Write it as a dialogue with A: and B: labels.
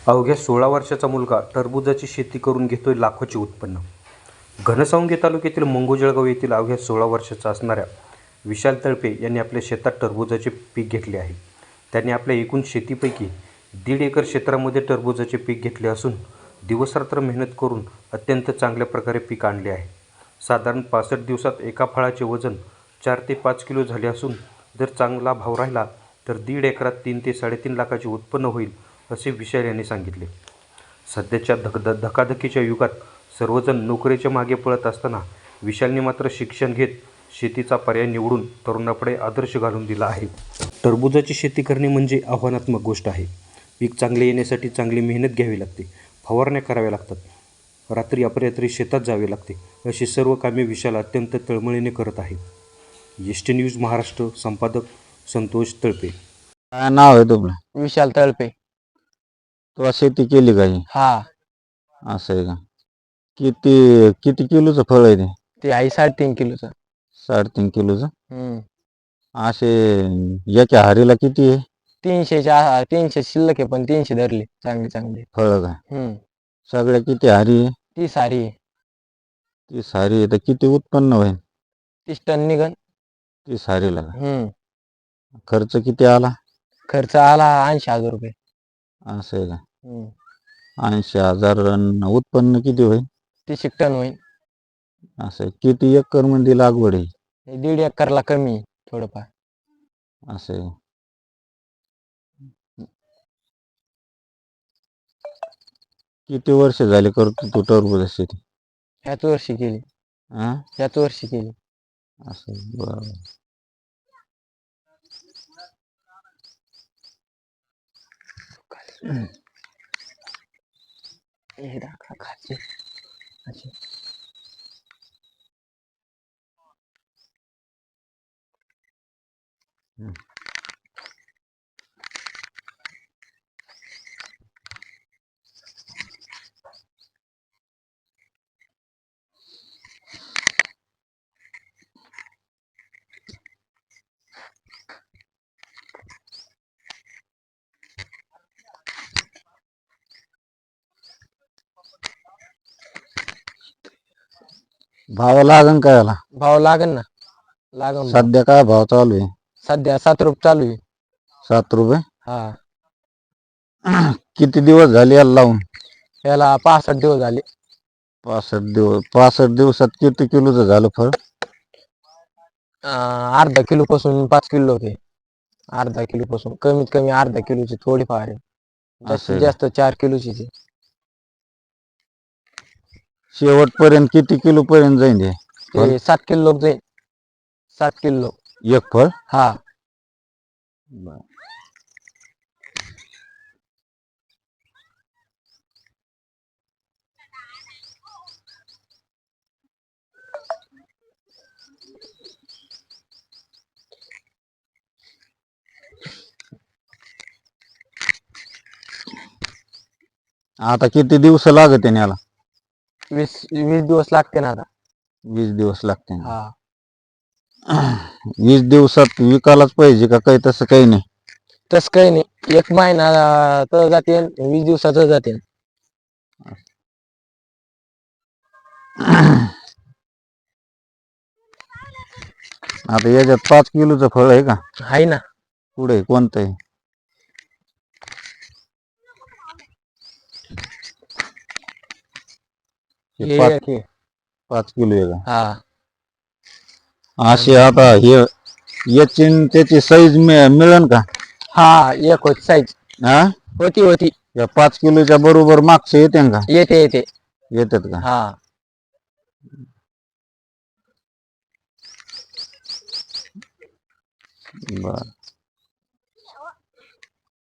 A: अवघ्या 16 वर्षाचा मुलगा टरबूजाची शेती करून घेतोय लाखोचे उत्पन्न. घनसावंगी तालुक्यातील मंगोजळगाव येथील अवघ्या 16 वर्षाचा असणाऱ्या विशाल तळपे यांनी आपल्या शेतात टरबूजाचे पीक घेतले आहे. त्यांनी आपल्या एकूण शेतीपैकी 1.5 एकर क्षेत्रामध्ये टरबूजाचे पीक घेतले असून दिवसरात्र मेहनत करून अत्यंत चांगल्या प्रकारे पीक आणले आहे. साधारण 65 दिवसात एका फळाचे वजन 4 ते 5 किलो झाले असून जर चांगला भाव राहिला तर 1.5 एकरात 3 ते 3.5 लाखाचे उत्पन्न होईल, असे विशाल यांनी सांगितले. सध्याच्या धकाधकीच्या युगात सर्वजण नोकरीच्या मागे पळत असताना विशालने मात्र शिक्षण घेत शेतीचा पर्याय निवडून तरुणापुढे आदर्श घालून दिला आहे. टरबूजाची शेती करणे म्हणजे आव्हानात्मक गोष्ट आहे. पीक चांगले येण्यासाठी चांगली मेहनत घ्यावी लागते, फवारण्या कराव्या लागतात, रात्री अपरात्री शेतात जावे लागते. अशी सर्व कामे विशाल अत्यंत तळमळीने करत आहे. एसटी न्यूज महाराष्ट्र, संपादक संतोष तळपे.
B: काय नाव आहे तुमचं?
C: विशाल तळपे.
B: तू शेती केली काही?
C: हा,
B: असं आहे का? किती किती किलोचं फळ आहे ते?
C: ते आहे 3.5 किलोचं.
B: 3.5 किलोचं. असे याच्या हारीला किती आहे?
C: 300 शिल्लक आहे, पण 300 धरले चांगले चांगले.
B: फळ का?
C: हम्म
B: सगळ्या किती हारी आहे?
C: ती सारी आहे.
B: ती सारी आहे तर किती उत्पन्न होईल?
C: 30 टन निघन.
B: ती सारीला का? खर्च किती आला?
C: खर्च आला 80,000 रुपये.
B: असं आहे का? 80,000 उत्पन्न किती होईल?
C: 30 टन होईल.
B: असं आहे. किती एकर मध्ये लागवड आहे?
C: 1.5 एकरला कमी आहे, थोडंफार.
B: असं आहे. किती वर्ष झाले करतो तू टरबूज शेती?
C: ह्याच वर्षी केली.
B: हा,
C: ह्याच वर्षी केली.
B: असं आहे. बरं.
C: हे दाखवा खाते. अच्छा.
B: भाव लागन का याला?
C: भाव लागन ना, लागन भाव.
B: सध्या काय भाव चालू आहे?
C: सध्या 7 रुपये चालू आहे.
B: 7 रुपये.
C: हा,
B: किती दिवस झाले याला लावून?
C: याला 65 दिवस झाले.
B: 65 दिवस. 65 दिवसात किती किलोचं झालं फळ?
C: अर्धा किलो पासून 5 किलो होते. अर्धा किलो पासून कमीत कमी अर्धा किलोची थोडीफार आहे. जास्तीत जास्त 4 किलोची आहे.
B: शेवटपर्यंत किती किलो पर्यंत जाईल हे फळ?
C: ते 7 किलो जाईल. 7 किलो
B: एक फळ?
C: हा.
B: आता किती दिवस लागत आहे याला?
C: 20 दिवस लागते ना आता.
B: 20 दिवस लागते.
C: हा,
B: 20 दिवसात विकायलाच पाहिजे का काही तसं काही नाही?
C: तस काही नाही. 1 महिना तर जाते, 20 दिवसाच जाते.
B: आता याच्यात 5 किलोचं फळ आहे का?
C: आहे ना.
B: पुढे कोणतं आहे?
C: हे
B: 5 किलो आहे का?
C: हा,
B: असे आता हे याची न त्याची साईज मिळेल का?
C: हा एक होती साईज.
B: हा,
C: होती
B: या 5 किलोच्या बरोबर मागचे येते का?
C: येते
B: येतात का?
C: हा.
B: बर.